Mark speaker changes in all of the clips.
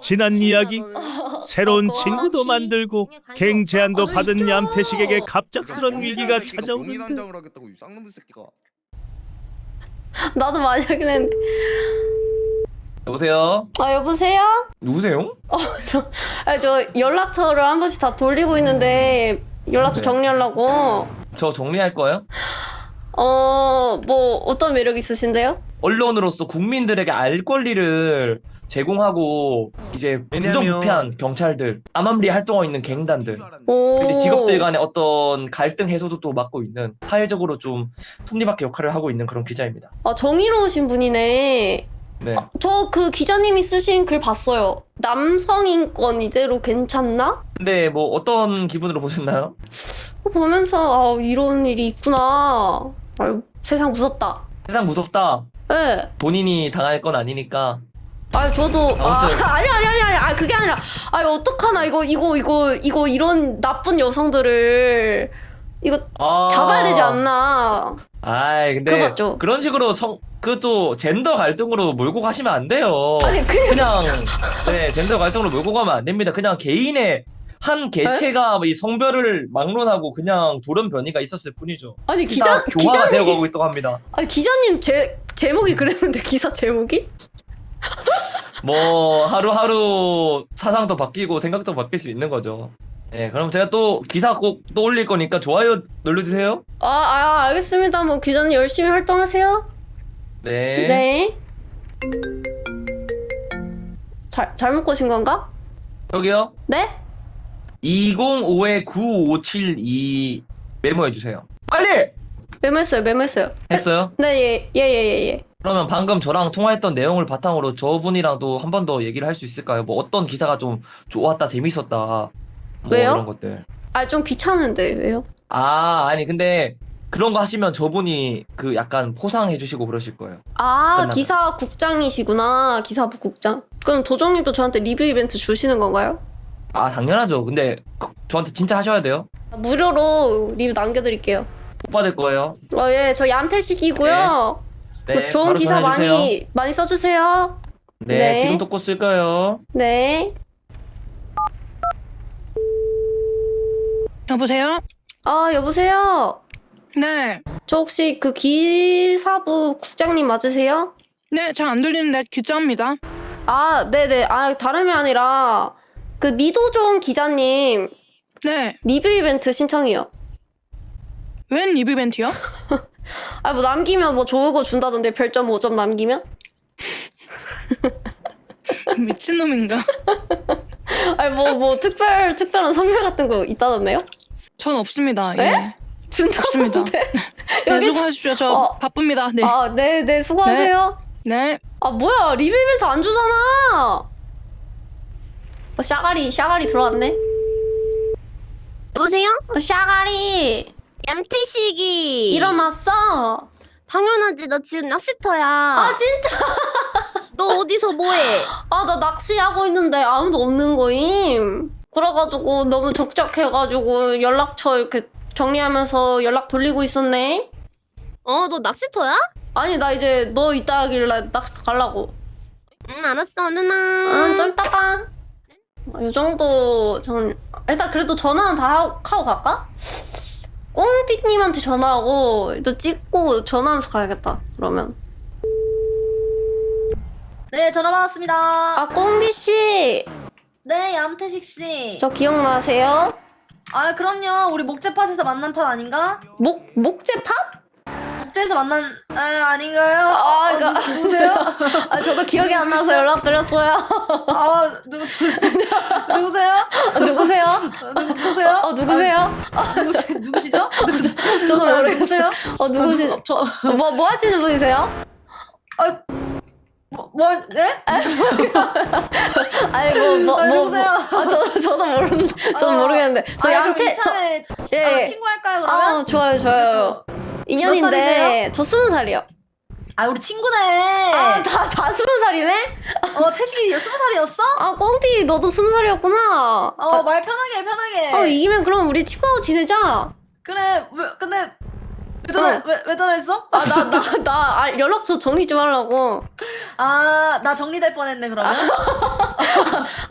Speaker 1: 지난 이야기. 새로운 친구도
Speaker 2: 그거
Speaker 1: 만들고
Speaker 2: 관심
Speaker 1: 갱
Speaker 2: 없어?
Speaker 1: 제안도
Speaker 2: 저
Speaker 1: 받은
Speaker 2: 있죠.
Speaker 1: 얌태식에게 갑작스런 위기가
Speaker 3: 용의
Speaker 1: 찾아오는데
Speaker 3: 단장을 하겠다고 이 쌍놈의 새끼가.
Speaker 2: 나도 많이 하긴 했는데.
Speaker 4: 여보세요?
Speaker 2: 아 여보세요?
Speaker 4: 누구세요?
Speaker 2: 저 연락처를 한 번씩 다 돌리고 있는데 연락처
Speaker 4: 네.
Speaker 2: 정리하려고.
Speaker 4: 저 정리할 거예요?
Speaker 2: 뭐 어떤 매력 있으신데요?
Speaker 4: 언론으로서 국민들에게 알 권리를 제공하고 이제 부정부패한 경찰들, 암암리 활동하고 있는 갱단들,
Speaker 2: 오.
Speaker 4: 그리고 직업들 간의 어떤 갈등 해소도 또 맡고 있는 사회적으로 좀 톱니바퀴 역할을 하고 있는 그런 기자입니다.
Speaker 2: 아 정의로우신 분이네.
Speaker 4: 네.
Speaker 2: 저 그 기자님이 쓰신 글 봤어요. 남성 인권 이대로 괜찮나?
Speaker 4: 근데 뭐 어떤 기분으로 보셨나요?
Speaker 2: 그거 보면서 아 이런 일이 있구나. 아유 세상 무섭다.
Speaker 4: 세상 무섭다.
Speaker 2: 예.
Speaker 4: 본인이 당할 건 아니니까.
Speaker 2: 아 저도
Speaker 4: 아무튼.
Speaker 2: 아니 그게 아니라 아 어떡하나 이거 이런 나쁜 여성들을 이거 잡아야 되지 않나.
Speaker 4: 아이
Speaker 2: 그거
Speaker 4: 근데
Speaker 2: 맞죠?
Speaker 4: 그런 식으로 그것도 젠더 갈등으로 몰고 가시면 안 돼요.
Speaker 2: 아니
Speaker 4: 그냥 네 젠더 갈등으로 몰고 가면 안 됩니다. 그냥 개인의 한 개체가 이 성별을 막론하고 그냥 돌연변이가 있었을 뿐이죠.
Speaker 2: 아니
Speaker 4: 교화가
Speaker 2: 기자님
Speaker 4: 되어가고 있다고 합니다.
Speaker 2: 아니 기자님 제목이 그랬는데 기사 제목이?
Speaker 4: 뭐 하루하루 사상도 바뀌고 생각도 바뀔 수 있는 거죠. 네, 그럼 제가 또 기사 꼭 또 올릴 거니까 좋아요 눌러주세요.
Speaker 2: 알겠습니다. 뭐 기자님 열심히 활동하세요.
Speaker 4: 네.
Speaker 2: 네. 잘못 거신 건가?
Speaker 4: 저기요.
Speaker 2: 네?
Speaker 4: 205-9572 메모해 주세요. 빨리!
Speaker 2: 메모했어요.
Speaker 4: 했어요?
Speaker 2: 네, 예.
Speaker 4: 그러면 방금 저랑 통화했던 내용을 바탕으로 저분이랑도 한 번 더 얘기를 할 수 있을까요? 뭐 어떤 기사가 좀 좋았다, 재밌었다. 뭐
Speaker 2: 왜요?
Speaker 4: 이런 것들.
Speaker 2: 좀 귀찮은데 왜요?
Speaker 4: 아니 근데 그런 거 하시면 저분이 그 약간 포상해 주시고 그러실 거예요. 끝나면.
Speaker 2: 기사 국장이시구나. 기사부 국장. 그럼 도정님도 저한테 리뷰 이벤트 주시는 건가요?
Speaker 4: 당연하죠. 근데 저한테 진짜 하셔야 돼요.
Speaker 2: 무료로 리뷰 남겨드릴게요.
Speaker 4: 못 받을 거예요.
Speaker 2: 예, 저 얌태식이고요.
Speaker 4: 네.
Speaker 2: 뭐 좋은
Speaker 4: 바로
Speaker 2: 기사
Speaker 4: 전화해주세요.
Speaker 2: 많이 써주세요.
Speaker 4: 네,
Speaker 2: 네.
Speaker 4: 지금도 꼭 쓸 거예요.
Speaker 2: 네.
Speaker 5: 여보세요?
Speaker 2: 여보세요?
Speaker 5: 네.
Speaker 2: 저 혹시 그 기사부 국장님 맞으세요?
Speaker 5: 네, 잘 안 들리는데 기자입니다.
Speaker 2: 네네. 다름이 아니라 그 미도종 기자님
Speaker 5: 네.
Speaker 2: 리뷰 이벤트 신청이요.
Speaker 5: 웬 리뷰 이벤트요?
Speaker 2: 뭐 남기면 뭐 좋은 거 준다던데 별점 5점 남기면?
Speaker 5: 미친놈인가?
Speaker 2: 뭐 특별한 선물 같은 거 있다던데요?
Speaker 5: 전 없습니다.
Speaker 2: 네?
Speaker 5: 예. 없습니다.
Speaker 2: 준다던데?
Speaker 5: 네,
Speaker 2: 여기
Speaker 5: 수고하십시오. 저 바쁩니다. 네.
Speaker 2: 네, 수고하세요.
Speaker 5: 네.
Speaker 2: 뭐야, 리뷰 이벤트 안 주잖아. 샤가리 들어왔네.
Speaker 6: 여보세요?
Speaker 2: 샤가리
Speaker 6: 얌태식이
Speaker 2: 일어났어.
Speaker 6: 당연하지. 나 지금 낚시터야.
Speaker 2: 진짜?
Speaker 6: 너 어디서 뭐해?
Speaker 2: 나 낚시하고 있는데 아무도 없는 거임. 그래가지고 너무 적적해가지고 연락처 이렇게 정리하면서 연락 돌리고 있었네.
Speaker 6: 너 낚시터야?
Speaker 2: 아니 나 이제 너 이따 하길래 낚시터 가려고.
Speaker 6: 응, 알았어. 누나.
Speaker 2: 좀 이따가. 이 정도 일단 그래도 전화는 다 하고 갈까? 꽁띠님한테 전화하고 일단 찍고 전화하면서 가야겠다. 그러면.
Speaker 7: 네, 전화 받았습니다.
Speaker 2: 꽁띠씨.
Speaker 7: 네, 얌태식 씨.
Speaker 2: 저 기억나세요?
Speaker 7: 그럼요. 우리 목재팟에서 만난 팟 아닌가?
Speaker 2: 목재팟?
Speaker 7: 목재에서 만난 아닌가요?
Speaker 2: 그러니까
Speaker 7: 누구세요?
Speaker 2: 저도 기억이 안 나서 연락드렸어요.
Speaker 7: 누구세요?
Speaker 2: 누구세요?
Speaker 7: 누구세요?
Speaker 2: 누구세요?
Speaker 7: 누구시죠?
Speaker 2: 저도 모르겠어요.
Speaker 7: 누구세요?
Speaker 2: 누구시? 뭐 하시는 분이세요?
Speaker 7: 네?
Speaker 2: 누구세요? 저도 모르겠는데. 저 얌태
Speaker 7: 친구 할까요, 그러면?
Speaker 2: 좋아요. 인연인데 저 20살이요.
Speaker 7: 우리 친구네.
Speaker 2: 다 20살이네?
Speaker 7: 태식이 20살이었어?
Speaker 2: 꽁띠 너도 20살이었구나.
Speaker 7: 말 편하게.
Speaker 2: 이기면 그럼 우리 친구하고 지내자.
Speaker 7: 그래, 근데 왜 전화했어?
Speaker 2: 나 연락처 정리 좀 하려고.
Speaker 7: 나 정리될 뻔했네, 그러면.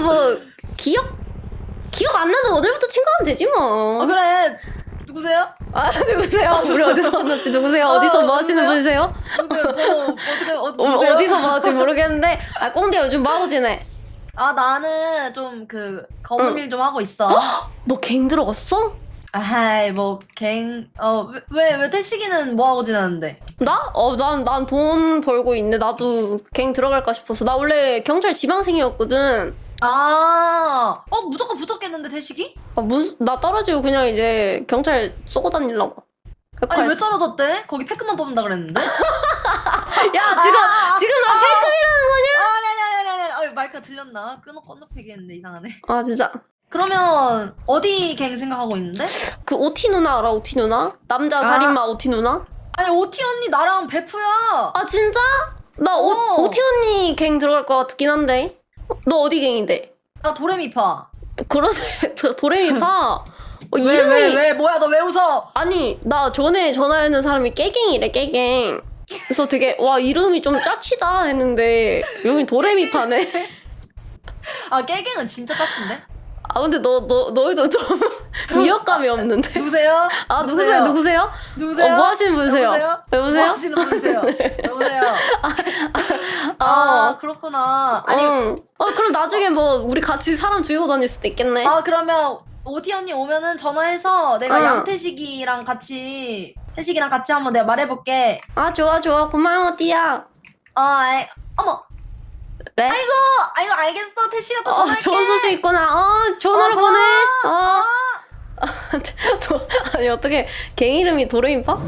Speaker 2: 뭐 기억 안 나서 오늘부터 친구하면 되지 뭐.
Speaker 7: 그래. 누구세요?
Speaker 2: 아 누구세요? 우리 어디서 만났지? 누구세요? 어디서 뭐 하시는 분이세요?
Speaker 7: 누구세요? 누구세요?
Speaker 2: 어디서 뭐 하지 모르겠는데. 아 꽁대 요즘 뭐 하고 지내?
Speaker 7: 아 나는 좀 그 검은 일 좀 하고 있어.
Speaker 2: 너 갱 들어갔어?
Speaker 7: 아이 뭐갱왜 태식이는 뭐 하고 지내는데?
Speaker 2: 나? 난 돈 벌고 있는데 나도 갱 들어갈까 싶어서. 나 원래 경찰 지망생이었거든.
Speaker 7: 무조건 붙었겠는데 태식이?
Speaker 2: 나 떨어지고 그냥 이제 경찰 쏘고 다니려고.
Speaker 7: 아니 왜 떨어졌대? 거기 패크만 뽑는다 그랬는데?
Speaker 2: 야 지금 나 패급이라는 거냐?
Speaker 7: 아니 마이크가 들렸나? 건너뛰기 했는데 이상하네.
Speaker 2: 아 진짜.
Speaker 7: 그러면 어디 갱 생각하고 있는데?
Speaker 2: 그 오티 누나 알아? 오티 누나? 남자 살인마 오티 누나?
Speaker 7: 아니 오티 언니 나랑 베프야.
Speaker 2: 아 진짜? 나
Speaker 7: 어.
Speaker 2: 오티 언니 갱 들어갈 것 같긴 한데. 너 어디 갱인데?
Speaker 7: 나 도레미파.
Speaker 2: 그러네. 도레미파. 이름이
Speaker 7: 왜 뭐야 너 왜 웃어?
Speaker 2: 아니 나 전에 전화했는 사람이 깨갱이래 깨갱. 그래서 되게 와 이름이 좀 짜치다 했는데 여기 도레미파네.
Speaker 7: 아 깨갱은 진짜 짜친데?
Speaker 2: 아 근데 너희도 너무 위협감이 없는데.
Speaker 7: 누구세요?
Speaker 2: 아 누구세요? 누구세요?
Speaker 7: 누구세요?
Speaker 2: 뭐 하시는 분이세요?
Speaker 7: 여보세요?
Speaker 2: 여보세요?
Speaker 7: 뭐 하시는 분이세요? 여보세요? 그렇구나. 아니
Speaker 2: 그럼 나중에 뭐 우리 같이 사람 죽이고 다닐 수도 있겠네.
Speaker 7: 그러면 오티 언니 오면은 전화해서 내가
Speaker 2: 응.
Speaker 7: 양태식이랑 같이 한번 내가 말해볼게.
Speaker 2: 아 좋아 고마워 띠야.
Speaker 7: 어머.
Speaker 2: 네?
Speaker 7: 아이고 알겠어. 태식아 또 전화할게.
Speaker 2: 좋은 소식 있구나. 전화를 보내. 아니 어떻게 갱 이름이 도레미파?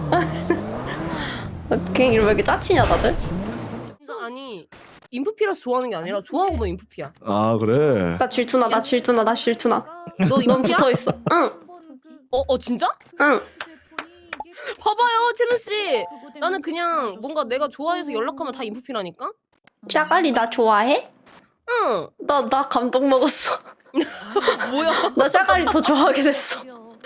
Speaker 2: 갱 이름 왜 이렇게 짜치냐 다들?
Speaker 8: 아니 인프피라서 좋아하는 게 아니라 좋아하고 보면 인프피야.
Speaker 3: 아 그래.
Speaker 2: 나 질투나.
Speaker 8: 너
Speaker 2: 넌
Speaker 8: 인프피야?
Speaker 2: 붙어 있어. 응.
Speaker 8: 진짜?
Speaker 2: 응.
Speaker 8: 봐봐요 채민 씨. 나는 그냥 뭔가 내가 좋아해서 연락하면 다 인프피라니까.
Speaker 2: 샤갈리 나 좋아해?
Speaker 8: 응.
Speaker 2: 나 감동 먹었어.
Speaker 8: 뭐야?
Speaker 2: 나 샤갈리 더 좋아하게 됐어.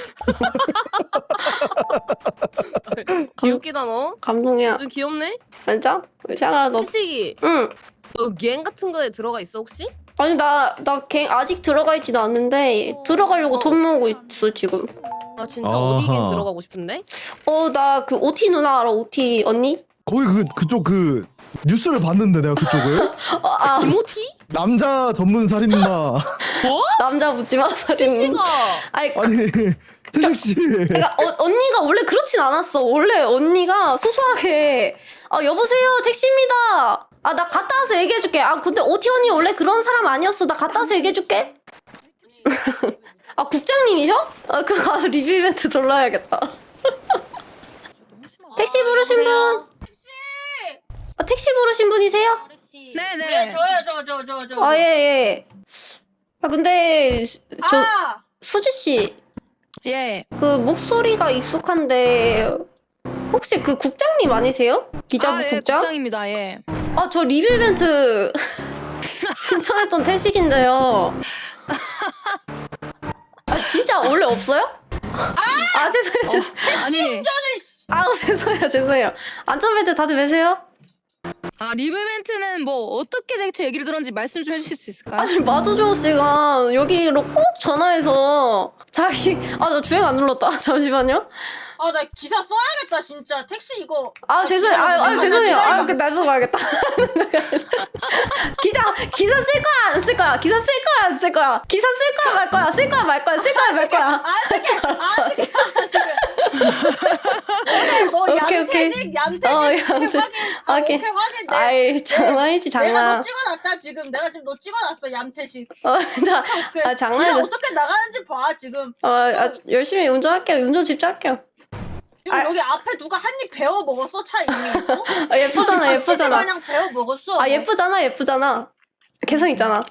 Speaker 8: 귀엽기다 너.
Speaker 2: 감동이야.
Speaker 8: 좀 귀엽네.
Speaker 2: 진짜? 샤갈 너.
Speaker 8: 태식이
Speaker 2: 응.
Speaker 8: 너 갱 같은 거에 들어가 있어 혹시?
Speaker 2: 아니 나 갱 아직 들어가 있지도 않는데 들어가려고 돈 모으고 있어 지금.
Speaker 8: 아 진짜 어디 갱 들어가고 싶은데?
Speaker 2: 나 그 오티 누나 알아? 오티 언니?
Speaker 3: 거기 그쪽 그 뉴스를 봤는데 내가 그쪽을
Speaker 8: 김호티?
Speaker 3: 남자 전문 살인마.
Speaker 8: 뭐?
Speaker 2: 남자 묻지마 살인.
Speaker 8: 태식아.
Speaker 2: 아니
Speaker 3: 태식 씨.
Speaker 2: 그러니까 언니가 원래 그렇진 않았어. 원래 언니가 소소하게 여보세요 택시입니다. 나 갔다 와서 얘기해줄게. 근데 오티 언니 원래 그런 사람 아니었어. 나 갔다 와서 얘기해줄게. 국장님이셔? 그거 가서 리뷰 이벤트 돌려야겠다. 택시 부르신 분? 택시 부르신 분이세요?
Speaker 5: 네네.
Speaker 2: 저. 예. 근데 수지 씨,
Speaker 5: 예.
Speaker 2: 그 목소리가 익숙한데 혹시 그 국장님 아니세요? 기자부
Speaker 5: 예,
Speaker 2: 국장?
Speaker 5: 국장입니다. 예.
Speaker 2: 저 리뷰 이벤트 신청했던 태식인데요. 진짜 원래 없어요? 죄송해요.
Speaker 5: 아니.
Speaker 2: 죄송해요. 안전벨트 다들 매세요?
Speaker 5: 리뷰 이벤트는 뭐 어떻게 대체 얘기를 들었는지 말씀 좀 해주실 수 있을까요?
Speaker 2: 아니 마도조 씨가 여기로 꼭 전화해서 자기 나 주행 안 눌렀다. 잠시만요.
Speaker 8: 나 기사 써야겠다 진짜. 택시 이거.
Speaker 2: 죄송해요. 죄송해요. 나도 가야겠다. 기사 쓸 거야 안 쓸 거야? 기사 쓸 거야 안 쓸 거야? 기사 쓸 거야 말 거야? 쓸 거야 말 거야? 쓸 거야 말 거야?
Speaker 8: 너
Speaker 2: 오케이.
Speaker 8: 얌태식
Speaker 2: 오케이.
Speaker 8: 확인.
Speaker 2: 아이 장난이지
Speaker 8: 내가
Speaker 2: 장난.
Speaker 8: 너 찍어놨다 지금. 내가 지금 너 찍어놨어 얌태식.
Speaker 2: 장난이죠.
Speaker 8: 어떻게 나가는지 봐 지금.
Speaker 2: 열심히 운전할게요. 운전 집중할게요.
Speaker 8: 지금 여기 앞에 누가 한 입 베어 먹었어 차 이미.
Speaker 2: 예쁘잖아.
Speaker 8: 그냥 베어 먹었어.
Speaker 2: 예쁘잖아. 개성 있잖아.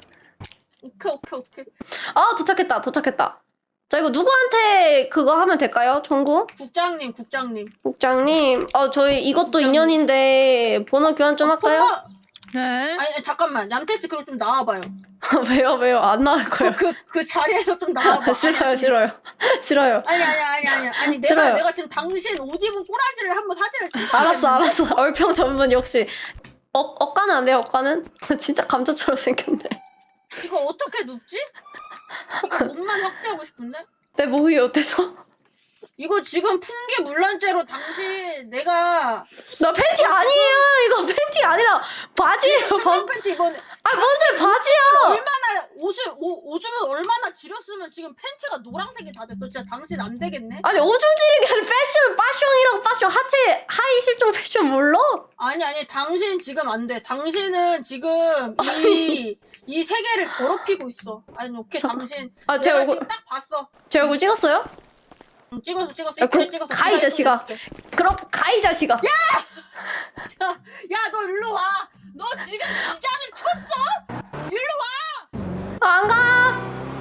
Speaker 8: 오케이.
Speaker 2: 도착했다. 자 이거 누구한테 그거 하면 될까요? 청구?
Speaker 8: 국장님.
Speaker 2: 국장님. 저희 이것도 인연인데 번호 교환 좀 할까요?
Speaker 5: 네.
Speaker 8: 아니 잠깐만. 얌태씨 그럼 좀 나와봐요.
Speaker 2: 왜요? 안 나올 거예요.
Speaker 8: 그 자리에서 좀 나와봐.
Speaker 2: 싫어요.
Speaker 8: 아니
Speaker 2: 싫어요.
Speaker 8: 내가 지금 당신 옷 입은 꼬라지를 한번 사진을 찍어.
Speaker 2: 알았어. 얼평 전문 역시. 억가는 안 돼요, 억가는? 진짜 감자처럼 생겼네.
Speaker 9: 이거 어떻게 눕지? 이거 몸만 확대하고 싶은데?
Speaker 2: 내 몸이 어때서?
Speaker 9: 이거 지금 풍기 물란죄로 당신 내가
Speaker 2: 나 팬티 아니에요. 이거 팬티 아니라 바지예요.
Speaker 9: 팬티 이번에
Speaker 2: 아 무슨 바지야?
Speaker 9: 얼마나 오줌을 얼마나 지렸으면 지금 팬티가 노란색이 다 됐어. 진짜 당신 안 되겠네.
Speaker 2: 아니 오줌 지르는 게 아니라 패션이랑 패션 하체 하이 실종 패션 몰라?
Speaker 9: 아니 당신 지금 안 돼. 당신은 지금 이 세계를 더럽히고 있어. 아니 오케이 당신
Speaker 2: 아, 제
Speaker 9: 내가
Speaker 2: 얼굴-
Speaker 9: 지금 딱 봤어.
Speaker 2: 제 얼굴 찍었어요?
Speaker 9: 응, 찍었어.
Speaker 2: 아, 그럼
Speaker 9: 이쁘게 찍었어.
Speaker 2: 가, 이 자식아. 그럼 가 이 자식아.
Speaker 9: 야 너 일로 와. 너 지금 기자를 쳤어? 일로 와.
Speaker 2: 안 가.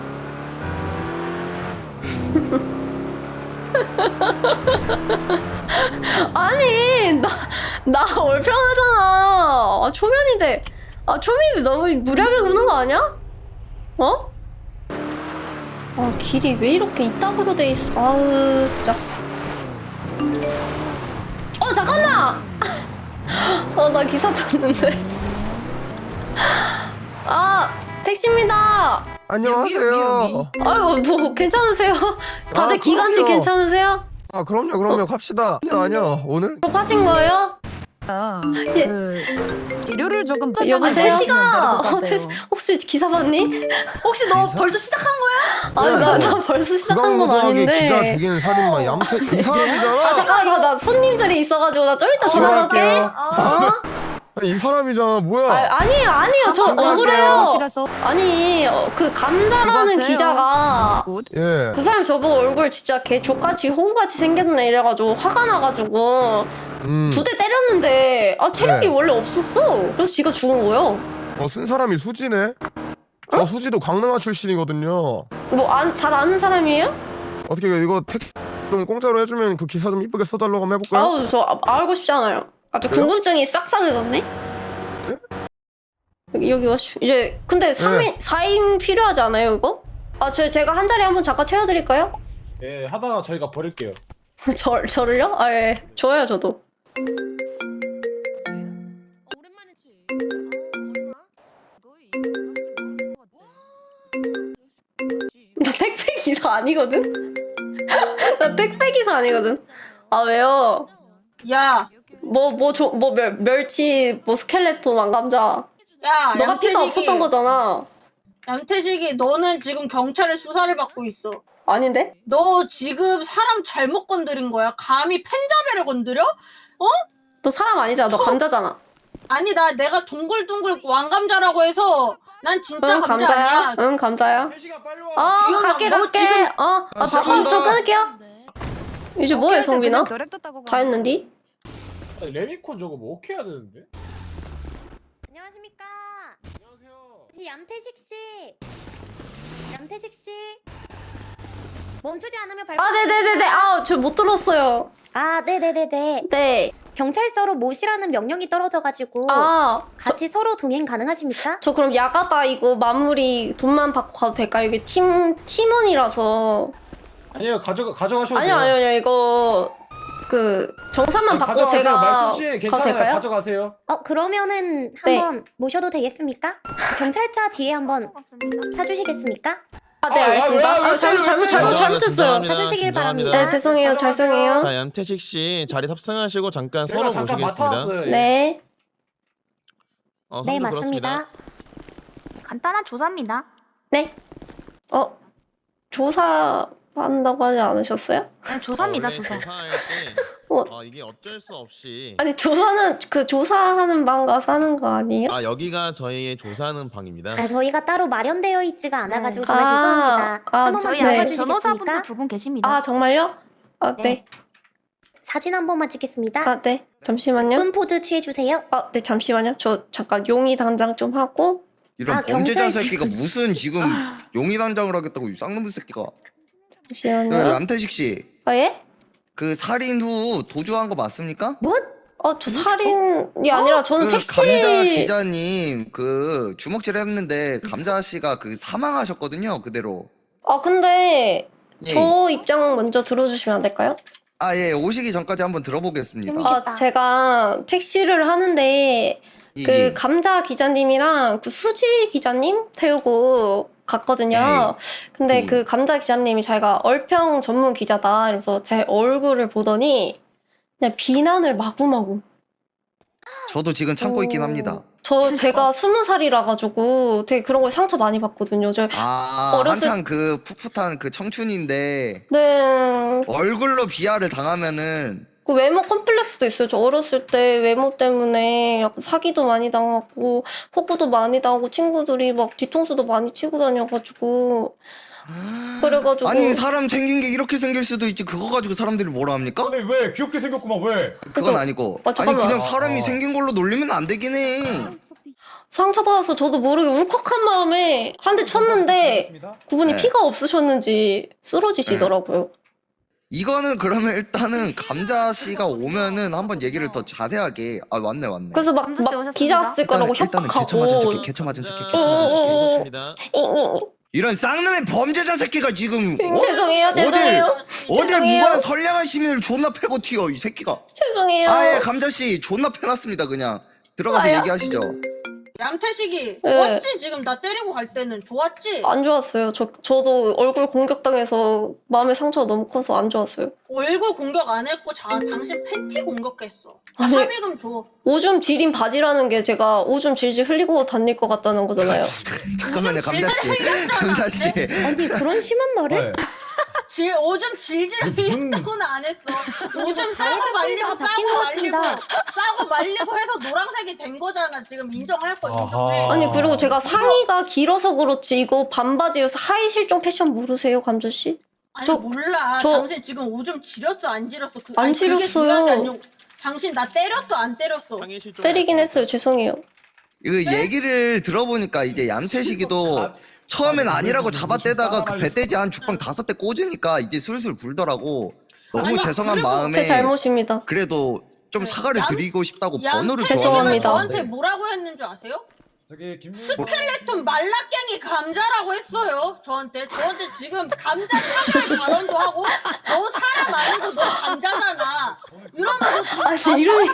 Speaker 2: 아니 나 얼평하잖아. 아, 초면인데 너무 무리하게 구는 거 아니야? 어? 아 길이 왜 이렇게 이따구로 돼 있어? 아우 진짜. 잠깐만. 나 기사 탔는데. 아 택시입니다.
Speaker 3: 안녕하세요.
Speaker 2: 아유 뭐 괜찮으세요? 다들
Speaker 3: 아,
Speaker 2: 기관지
Speaker 3: 그럼요.
Speaker 2: 괜찮으세요?
Speaker 3: 아 그럼요 갑시다. 아니요 오늘
Speaker 2: 졸업하신 거예요? 예.
Speaker 10: 재료를 조금
Speaker 2: 여보세요?
Speaker 10: 태시가
Speaker 2: 혹시 기사 봤니?
Speaker 7: 혹시 너
Speaker 3: 기사?
Speaker 7: 벌써 시작한 거야?
Speaker 2: 아니 나 벌써 시작한 건
Speaker 3: 구강노동하게 기자
Speaker 2: 아닌데.
Speaker 3: 죽이는 살인마 얌태 이 사람이잖아.
Speaker 2: 잠깐만 나 손님들이 있어가지고 나 좀 이따 전화 걸게.
Speaker 3: 전화할게요. 아니, 이 사람이잖아 뭐야?
Speaker 2: 아니에요 저
Speaker 3: 전화할게요.
Speaker 2: 억울해요.
Speaker 10: 시라서
Speaker 2: 아니 그 감자라는
Speaker 10: 누가세요?
Speaker 2: 기자가
Speaker 3: 예.
Speaker 2: 그 사람 저보고 얼굴 진짜 개 족같이 호구같이 생겼네 이래가지고 화가 나가지고 두 대 때렸는데 체력이
Speaker 3: 네.
Speaker 2: 원래 없었어. 그래서 지가 죽은 거예요.
Speaker 3: 쓴 사람이 수지네. 저 수지도 강릉아 출신이거든요.
Speaker 2: 뭐 잘 아는 사람이에요?
Speaker 3: 어떻게 이거 좀 공짜로 해주면 그 기사 좀 이쁘게 써달라고 한번 해볼까요?
Speaker 2: 아우 저 알고 싶지 않아요. 아주
Speaker 3: 왜요?
Speaker 2: 궁금증이 싹 사라졌네. 여기 와시 이제 근데 4인 필요하지 않아요 이거? 제가 한 자리 한번 잠깐 채워드릴까요?
Speaker 11: 예, 하다가 저희가 버릴게요.
Speaker 2: 저를요? 예 좋아요 저도.
Speaker 8: 오랜만에 치.
Speaker 2: 나 택배 기사 아니거든? 나 택배 기사 아니거든? 왜요?
Speaker 9: 야
Speaker 2: 멸치 스켈레톤 왕감자
Speaker 9: 야
Speaker 2: 너가 피가 없었던 거잖아.
Speaker 9: 얌태식이 너는 지금 경찰의 수사를 받고 있어.
Speaker 2: 아닌데?
Speaker 9: 너 지금 사람 잘못 건드린 거야. 감히 펜자베를 건드려?
Speaker 2: 너 사람 아니잖아. 너 감자잖아.
Speaker 9: 아니 내가 동글동글 왕감자라고 해서 난 진짜
Speaker 2: 응
Speaker 9: 감자
Speaker 2: 감자야.
Speaker 9: 아니야.
Speaker 2: 응 감자야.
Speaker 11: 혜식아 빨리 와.
Speaker 2: 갈게.
Speaker 9: 너 지금-
Speaker 2: 바빠서 좀 끊을게요. 이제 뭐해 성빈아? 다 했는디?
Speaker 11: 레미콘 저거 뭐 어떻게 해야 되는데?
Speaker 6: 안녕하십니까.
Speaker 11: 안녕하세요.
Speaker 6: 얌태식 씨. 얌태식 씨. 멈추지 않으면 발.
Speaker 2: 네네네네. 저 못 들었어요.
Speaker 6: 네네네네.
Speaker 2: 네.
Speaker 6: 경찰서로 모시라는 명령이 떨어져가지고 같이 서로 동행 가능하십니까?
Speaker 2: 저 그럼 야가다 이거 마무리 돈만 받고 가도 될까요? 이게 팀원이라서.
Speaker 11: 아니요 가져가셔도 돼요.
Speaker 2: 아니요 이거 그 정산만 받고
Speaker 11: 가져가세요.
Speaker 2: 제가
Speaker 11: 말씀 씨
Speaker 2: 가도
Speaker 11: 괜찮아요.
Speaker 2: 될까요?
Speaker 11: 가져가세요.
Speaker 6: 그러면은
Speaker 2: 네.
Speaker 6: 한번 모셔도 되겠습니까? 경찰차 뒤에 한번 타주시겠습니까?
Speaker 2: 네 알겠습니다. 잘못했어요.
Speaker 6: 타주시길 바랍니다.
Speaker 2: 네 죄송해요. 죄송해요.
Speaker 12: 자, 얌태식 씨 자리 탑승하시고 잠깐
Speaker 11: 제가
Speaker 12: 서로
Speaker 11: 잠깐
Speaker 12: 모시겠습니다.
Speaker 11: 맡아왔어요. 예.
Speaker 2: 네.
Speaker 6: 네
Speaker 12: 선도
Speaker 6: 맞습니다. 간단한 조사입니다.
Speaker 2: 네. 조사한다고 하지 않으셨어요?
Speaker 6: 조사입니다.
Speaker 12: 원래
Speaker 6: 조사.
Speaker 12: 조사할 때
Speaker 2: 어.
Speaker 12: 이게 어쩔 수 없이
Speaker 2: 아니 조사는 그 조사하는 방 가서 하는 거 아니에요?
Speaker 12: 여기가 저희의 조사하는 방입니다.
Speaker 6: 저희가 따로 마련되어 있지가 않아가지고
Speaker 2: 네.
Speaker 6: 정말 죄송합니다. 한 번만
Speaker 2: 저희
Speaker 6: 들어가
Speaker 2: 네.
Speaker 6: 주시겠습니까?
Speaker 7: 두 분 계십니다.
Speaker 2: 정말요? 네.
Speaker 6: 사진 한 번만 찍겠습니다.
Speaker 2: 네. 잠시만요.
Speaker 6: 끈 포즈 취해주세요.
Speaker 2: 네 잠시만요. 저 잠깐 용의 단장 좀 하고.
Speaker 13: 이런 범죄자 새끼가 무슨 지금 용의 단장을 하겠다고 이 쌍놈의 새끼가.
Speaker 2: 잠시만요.
Speaker 13: 얌태식 씨,
Speaker 2: 예?
Speaker 13: 그 살인 후 도주한 거 맞습니까?
Speaker 2: 저 살인이 아니라 저는
Speaker 13: 그
Speaker 2: 택시.
Speaker 13: 감자 기자님 그 주먹질 했는데 감자 씨가 그 사망하셨거든요 그대로.
Speaker 2: 근데
Speaker 13: 예.
Speaker 2: 저 입장 먼저 들어주시면 안 될까요?
Speaker 13: 예, 오시기 전까지 한번 들어보겠습니다.
Speaker 2: 제가 택시를 하는데 그 감자 기자님이랑 그 수지 기자님 태우고 갔거든요. 근데 그 감자 기자님이 자기가 얼평 전문 기자다 이러면서 제 얼굴을 보더니 그냥 비난을 마구마구.
Speaker 13: 저도 지금 참고 있긴 합니다.
Speaker 2: 제가 20살이라 가지고 되게 그런 거에 상처 많이 받거든요.
Speaker 13: 한창 그 풋풋한 그 청춘인데
Speaker 2: 네.
Speaker 13: 얼굴로 비하를 당하면은
Speaker 2: 그 외모 컴플렉스도 있어요. 저 어렸을 때 외모 때문에 약간 사기도 많이 당하고 호구도 많이 당하고 친구들이 막 뒤통수도 많이 치고 다녀가지고 그래가지고
Speaker 13: 아니 사람 생긴 게 이렇게 생길 수도 있지 그거 가지고 사람들이 뭐라 합니까?
Speaker 11: 아니 왜 귀엽게 생겼구만 왜?
Speaker 13: 그건 아니고 아니
Speaker 2: 잠깐만.
Speaker 13: 그냥 사람이 생긴 걸로 놀리면 안 되긴 해.
Speaker 2: 상처받아서 저도 모르게 울컥한 마음에 한 대 쳤는데 그분이
Speaker 13: 네.
Speaker 2: 피가 없으셨는지 쓰러지시더라고요.
Speaker 13: 이거는 그러면 일단은 감자 씨가 오면은 한번 얘기를 더 자세하게 왔네.
Speaker 2: 그래서 막 기자 쓸 거라고
Speaker 13: 일단은
Speaker 2: 협박하고
Speaker 13: 개처 맞은 척해.
Speaker 12: 좋습니다.
Speaker 13: 이런 쌍놈의 범죄자 새끼가 지금
Speaker 2: 죄송해요.
Speaker 13: 어딜
Speaker 2: 죄송해요.
Speaker 13: 무관 선량한 시민을 존나 패고 튀어 이 새끼가.
Speaker 2: 죄송해요.
Speaker 13: 아예 감자 씨 존나 패놨습니다 그냥. 들어가서 얘기하시죠.
Speaker 9: 양태식이
Speaker 2: 네.
Speaker 9: 좋았지? 지금 나 때리고 갈 때는 좋았지?
Speaker 2: 안 좋았어요. 저도 얼굴 공격당해서 마음의 상처가 너무 커서 안 좋았어요.
Speaker 9: 얼굴 공격 안 했고 당신 팬티 공격했어.
Speaker 2: 아니.
Speaker 9: 합의금 줘.
Speaker 2: 오줌 지린 바지라는 게 제가 오줌 질질 흘리고 다닐 것 같다는 거잖아요.
Speaker 13: 잠깐만요 감자 씨. 감자 씨.
Speaker 6: 아니 그런 심한 말을?
Speaker 9: 오줌 질질 흘렸다고는 안 했어. 오줌 싸고 말리고
Speaker 6: 바뀐 것 같습니다.
Speaker 9: 싸고 말리고 해서 노란색이 된 거잖아. 지금 인정할 거 인정해.
Speaker 2: 아니 그리고 제가 상의가 길어서 그렇지 이거 반바지여서 하이 실종 패션 모르세요 감자 씨?
Speaker 9: 아니
Speaker 2: 저-
Speaker 9: 몰라.
Speaker 2: 저-
Speaker 9: 당신 지금 오줌 지렸어 안 지렸어?
Speaker 2: 안
Speaker 9: 아니, 그게
Speaker 2: 지렸어요.
Speaker 9: 중요한 게 아니고 당신 나 때렸어 안 때렸어?
Speaker 2: 때리긴 했어요. 죄송해요.
Speaker 13: 이거 얘기를 들어보니까 이제 얌태식이도 처음엔 아니라고 잡아떼다가 그 배돼지 한 죽방 5대 꽂으니까 이제 슬슬 불더라고. 너무
Speaker 9: 아니,
Speaker 13: 죄송한
Speaker 9: 그리고
Speaker 13: 마음에
Speaker 2: 제 잘못입니다.
Speaker 13: 그래도 좀 사과를 드리고 싶다고 번호를
Speaker 9: 양태식이가
Speaker 2: 죄송합니다.
Speaker 9: 저한테 뭐라고 했는 줄 아세요?
Speaker 11: 저기 김
Speaker 9: 스켈레톤 말라깽이 감자라고 했어요. 저한테 지금 감자 차별 발언도 하고 너 사람 아니고 너 감자잖아. 이러면서
Speaker 2: 아니, 이름이-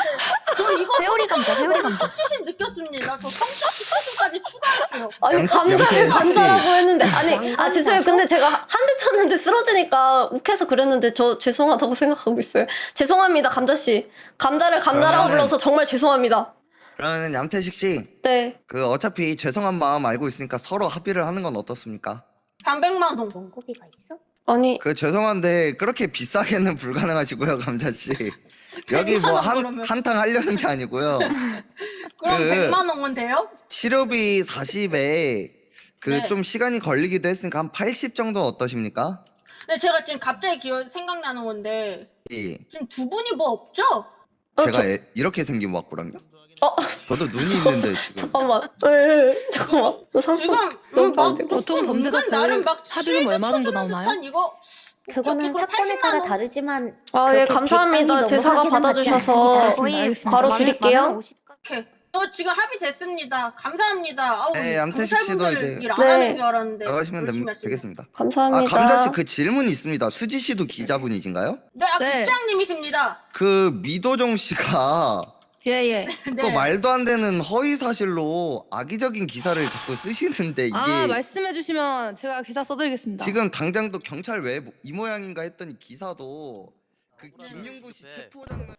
Speaker 9: 저 이거
Speaker 6: 회오리 감자, 회오리 감자.
Speaker 9: 수치심 느꼈습니다. 저 성적 수치심까지 추가할게요.
Speaker 2: 아니
Speaker 13: 양태
Speaker 2: 감자를
Speaker 13: 씨.
Speaker 2: 감자라고 했는데 아니 죄송해요. 근데 제가 한 대 쳤는데 쓰러지니까 욱해서 그랬는데 저 죄송하다고 생각하고 있어요. 죄송합니다 감자 씨. 감자를 감자라고
Speaker 13: 그러면은-
Speaker 2: 불러서 정말 죄송합니다.
Speaker 13: 그러면 얌태식 씨,
Speaker 2: 네.
Speaker 13: 그 어차피 죄송한 마음 알고 있으니까 서로 합의를 하는 건 어떻습니까?
Speaker 9: 300만 원.
Speaker 6: 원고비가 있어?
Speaker 2: 아니
Speaker 13: 그 죄송한데 그렇게 비싸게는 불가능하시고요, 감자 씨. 여기
Speaker 9: 100만
Speaker 13: 뭐
Speaker 9: 원 그러면.
Speaker 13: 한탕 하려는 게 아니고요.
Speaker 9: 그럼
Speaker 13: 그-
Speaker 9: 100만 원은 돼요?
Speaker 13: 시료비 40에 그
Speaker 9: 네.
Speaker 13: 좀 시간이 걸리기도 했으니까 한 80 정도 어떠십니까?
Speaker 9: 근데 제가 지금 갑자기 생각나는 건데
Speaker 13: 이,
Speaker 9: 지금 두 분이 뭐 없죠?
Speaker 13: 제가 이렇게 생긴 왁구랑요? 저도 눈이 있는데 지금.
Speaker 2: 잠깐만. 잠깐만. 너 상처
Speaker 9: 지금
Speaker 2: 너무
Speaker 9: 막
Speaker 2: 많은데?
Speaker 5: 보통 범죄자
Speaker 9: 나름 막
Speaker 5: 합의금 얼마 정도
Speaker 9: 실드 쳐주는
Speaker 5: 나오나요?
Speaker 9: 듯한 이거
Speaker 6: 그거는
Speaker 9: 이걸
Speaker 6: 사건에
Speaker 9: 80만
Speaker 6: 따라
Speaker 9: 원?
Speaker 6: 다르지만
Speaker 2: 아, 예,
Speaker 6: 그렇게
Speaker 2: 감사합니다.
Speaker 6: 객단이
Speaker 2: 제
Speaker 6: 너무
Speaker 2: 사과
Speaker 6: 확인은 받지
Speaker 2: 받아주셔서
Speaker 6: 않습니다.
Speaker 5: 알겠습니다.
Speaker 2: 바로 드릴게요.
Speaker 9: 오케이. 저 지금 합의됐습니다. 감사합니다. 아우
Speaker 13: 네, 양태식 씨도
Speaker 9: 경찰분들
Speaker 13: 이제-
Speaker 9: 일 안
Speaker 2: 네.
Speaker 9: 하는 줄 알았는데
Speaker 13: 나가시면
Speaker 9: 열심히 하시네.
Speaker 13: 되겠습니다.
Speaker 2: 감사합니다.
Speaker 13: 감자 씨 그 질문이 있습니다. 수지 씨도 기자분이신가요?
Speaker 9: 네,
Speaker 5: 네.
Speaker 9: 국장님이십니다.
Speaker 13: 그 미도정 씨가
Speaker 5: 예예.
Speaker 13: 그
Speaker 9: 네.
Speaker 13: 말도 안 되는 허위 사실로 악의적인 기사를 자꾸 쓰시는데 이게
Speaker 5: 아 말씀해주시면 제가 기사 써드리겠습니다.
Speaker 13: 지금 당장도 경찰 왜 이 모양인가 했더니 기사도 그 김윤구 씨 체포 장면.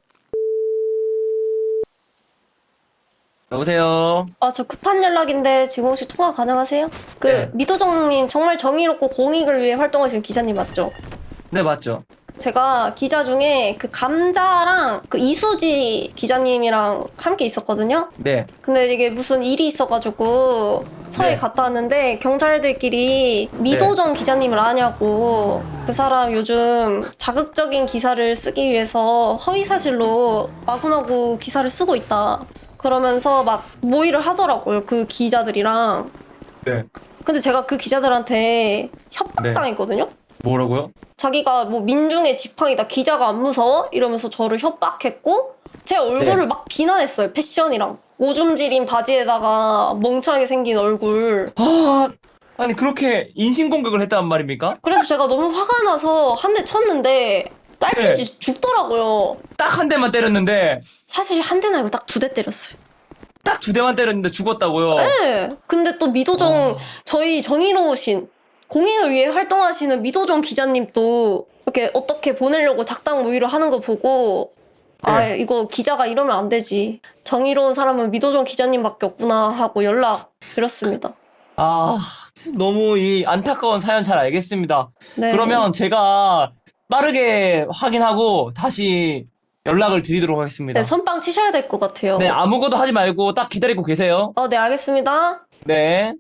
Speaker 4: 여보세요.
Speaker 2: 저 급한 연락인데 지금 혹시 통화 가능하세요? 그
Speaker 4: 네.
Speaker 2: 미도정님 정말 정의롭고 공익을 위해 활동하시는 기자님 맞죠?
Speaker 4: 네 맞죠.
Speaker 2: 제가 기자 중에 그 감자랑 그 이수지 기자님이랑 함께 있었거든요.
Speaker 4: 네.
Speaker 2: 근데 이게 무슨 일이 있어가지고 서해
Speaker 4: 네.
Speaker 2: 갔다 왔는데 경찰들끼리 미도정 기자님을 아냐고 그 사람 요즘 자극적인 기사를 쓰기 위해서 허위 사실로 마구마구 기사를 쓰고 있다. 그러면서 막 모의를 하더라고요. 그 기자들이랑.
Speaker 4: 네.
Speaker 2: 근데 제가 그 기자들한테 협박당했거든요.
Speaker 4: 뭐라고요?
Speaker 2: 자기가 뭐 민중의 지팡이다, 기자가 안 무서워? 이러면서 저를 협박했고 제 얼굴을
Speaker 4: 네.
Speaker 2: 막 비난했어요. 패션이랑 오줌 지린 바지에다가 멍청하게 생긴 얼굴.
Speaker 4: 아니 그렇게 인신공격을 했단 말입니까?
Speaker 2: 그래서 제가 너무 화가 나서 한 대 쳤는데 딸피지 죽더라고요.
Speaker 4: 딱 한 대만 때렸는데
Speaker 2: 사실 한 대는 아니고 딱 2대 때렸어요.
Speaker 4: 딱 2대만 때렸는데 죽었다고요.
Speaker 2: 네. 근데 또 미도정 저희 정의로우신 공익을 위해 활동하시는 미도정 기자님도 이렇게 어떻게 보내려고 작당 모의를 하는 거 보고 아 이거 기자가 이러면 안 되지. 정의로운 사람은 미도정 기자님밖에 없구나 하고 연락 드렸습니다.
Speaker 4: 아 너무 이 안타까운 사연 잘 알겠습니다.
Speaker 2: 네.
Speaker 4: 그러면 제가 빠르게 확인하고 다시 연락을 드리도록 하겠습니다.
Speaker 2: 네, 선빵 치셔야 될 것 같아요.
Speaker 4: 네, 아무것도 하지 말고 딱 기다리고 계세요.
Speaker 2: 네, 알겠습니다.
Speaker 4: 네.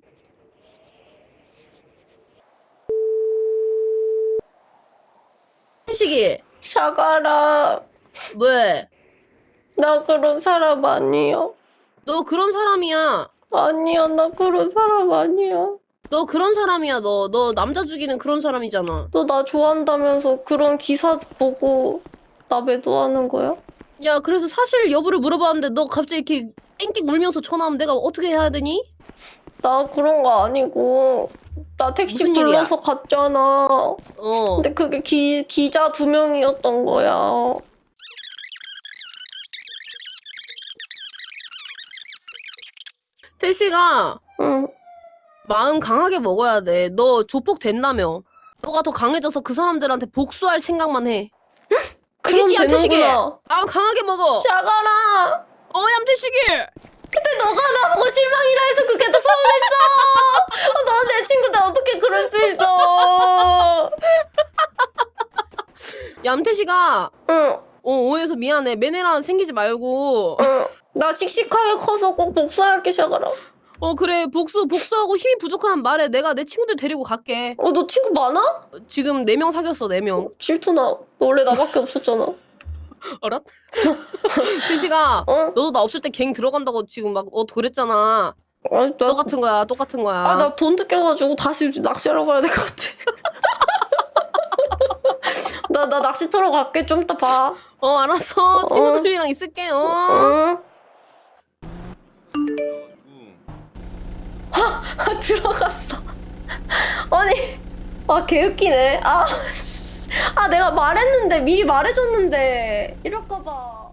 Speaker 8: 시기
Speaker 2: 샤가라,
Speaker 8: 왜?
Speaker 2: 나 그런 사람 아니야.
Speaker 8: 너 그런 사람이야.
Speaker 2: 아니야, 나 그런 사람 아니야.
Speaker 8: 너 그런 사람이야. 너 남자 죽이는 그런 사람이잖아.
Speaker 2: 너 나 좋아한다면서 그런 기사 보고 나 매도하는 거야?
Speaker 8: 야, 그래서 사실 여부를 물어봤는데 너 갑자기 이렇게 땡땡 울면서 전화하면 내가 어떻게 해야 되니?
Speaker 2: 나 그런 거 아니고 나 택시
Speaker 8: 무슨 일이야?
Speaker 2: 불러서 갔잖아.
Speaker 8: 어.
Speaker 2: 근데 그게 기자 2명이었던 거야.
Speaker 8: 태시가
Speaker 2: 응.
Speaker 8: 마음 강하게 먹어야 돼. 너 조폭 됐다며. 너가 더 강해져서 그 사람들한테 복수할 생각만 해.
Speaker 2: 그럼
Speaker 8: 알겠지, 얌태식이?
Speaker 2: 되는구나.
Speaker 8: 마음 강하게 먹어.
Speaker 2: 샤가라.
Speaker 8: 얌태식이.
Speaker 2: 근데 너가 나보고 실망이라 해서 그게 더 서운했어. 너 내 친구인데 어떻게 그럴 수 있어.
Speaker 8: 얌태식아.
Speaker 2: 응.
Speaker 8: 오해해서 미안해. 매네라 생기지 말고.
Speaker 2: 응. 나 씩씩하게 커서 꼭 복수할게, 샤가라.
Speaker 8: 그래. 복수하고 힘이 부족하면 말해. 내가 내 친구들 데리고 갈게.
Speaker 2: 너 친구 많아?
Speaker 8: 지금 4명 사귀었어. 4명.
Speaker 2: 질투나. 너 원래 나밖에 없었잖아.
Speaker 8: 알았? 태시가 너도 나 없을 때 갱 들어간다고 지금 막 그랬잖아. 똑같은 거야. 똑같은 거야.
Speaker 2: 아, 나 돈 뜯겨가지고 다시 낚시하러 가야 될 것 같아. 나 낚시터로 갈게. 좀 이따 봐.
Speaker 8: 알았어. 친구들이랑 있을게.
Speaker 2: 응. 들어갔어. 아니, 개웃기네. 내가 말했는데, 미리 말해줬는데. 이럴까봐.